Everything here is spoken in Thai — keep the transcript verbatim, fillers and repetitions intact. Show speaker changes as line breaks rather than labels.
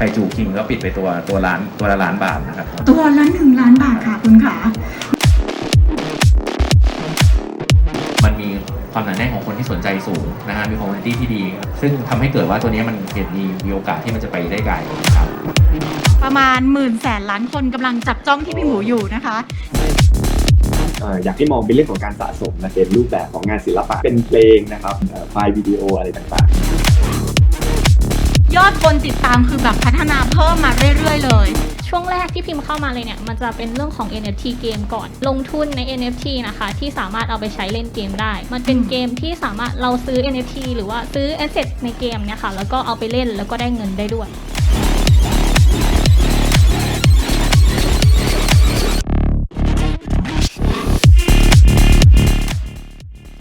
คจูคิงก็ปิดไปตัวตัวล้านตัวละล้านบาทนะครับ
ตัวละหนึ่งล้านบาทค่ะคุณขา
มันมีความหนาแน่นของคนที่สนใจสูงนะฮะมีคอมมูนิตี้ที่ดีซึ่งทำให้เกิดว่าตัวนี้มันเห็นมีมีโอกาสที่มันจะไปได้ไกลครับ
ประมาณหมื่นแสนล้านคนกำลังจับจ้องที่พี่หมูอยู่นะคะ
อยากให้มองเป็นเรื่องของการสะสมนะเป็นรูปแบบของงานศิลปะเป็นเพลงนะครับไฟล์วิดีโออะไรต่าง
ๆยอดคนติดตามคือแบบพัฒนาเพิ่มมาเรื่อยๆเลย
ช่วงแรกที่พิมพ์เข้ามาเลยเนี่ยมันจะเป็นเรื่องของ เอ็น เอฟ ที เกมก่อนลงทุนใน เอ็น เอฟ ที นะคะที่สามารถเอาไปใช้เล่นเกมได้มันเป็นเกมที่สามารถเราซื้อ เอ็น เอฟ ที หรือว่าซื้อแอสเซทในเกมเนี่ยค่ะแล้วก็เอาไปเล่นแล้วก็ได้เงินได้ด้วย